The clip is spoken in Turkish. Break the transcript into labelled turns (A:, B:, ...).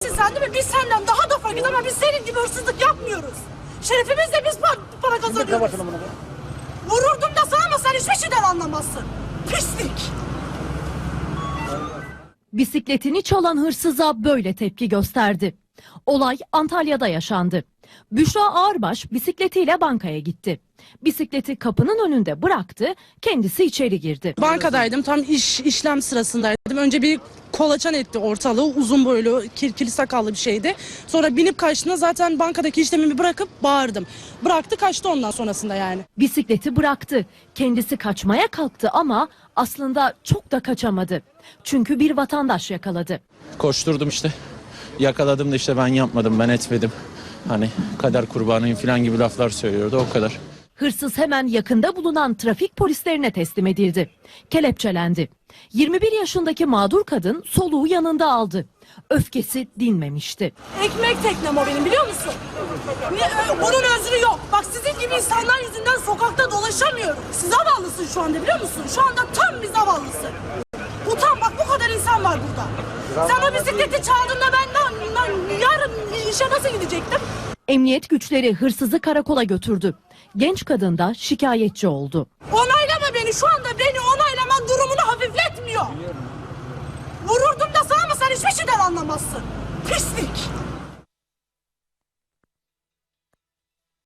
A: Sen değil mi? Biz senden daha da fakiriz ama biz senin gibi hırsızlık yapmıyoruz. Şerefimizle biz para kazanıyoruz. Vururdum da sana ama sen hiçbir şeyden anlamazsın. Pislik.
B: Bisikletini çalan hırsıza böyle tepki gösterdi. Olay Antalya'da yaşandı. Büşra Ağırbaş bisikletiyle bankaya gitti. Bisikleti kapının önünde bıraktı, kendisi içeri girdi.
C: Bankadaydım, tam işlem sırasındaydım. Önce bir kolaçan etti ortalığı, uzun boylu, kirpili sakallı bir şeydi. Sonra binip kaçtığında zaten bankadaki işlemimi bırakıp bağırdım. Bıraktı, kaçtı ondan sonrasında yani.
B: Bisikleti bıraktı. Kendisi kaçmaya kalktı ama aslında çok da kaçamadı. Çünkü bir vatandaş yakaladı.
D: Koşturdum işte. Yakaladım da işte ben yapmadım, ben etmedim. Hani kader kurbanıyım falan gibi laflar söylüyordu, o kadar.
B: Hırsız hemen yakında bulunan trafik polislerine teslim edildi. Kelepçelendi. 21 yaşındaki mağdur kadın soluğu yanında aldı. Öfkesi dinmemişti.
A: Ekmek teknem o benim, biliyor musun? Bunun özrü yok. Bak sizin gibi insanlar yüzünden sokakta dolaşamıyorum. Siz zavallısın şu anda, biliyor musun? Şu anda tam bir zavallısın. Utan, bak bu kadar insan var burada. Sen o bisikleti çaldığında ben yarın işe nasıl gidecektim?
B: Emniyet güçleri hırsızı karakola götürdü. Genç kadın da şikayetçi oldu.
A: Onaylama beni, şu anda beni onaylaman durumunu hafifletmiyor. Vururdum da sana ama sen hiçbir şeyden anlamazsın. Pislik.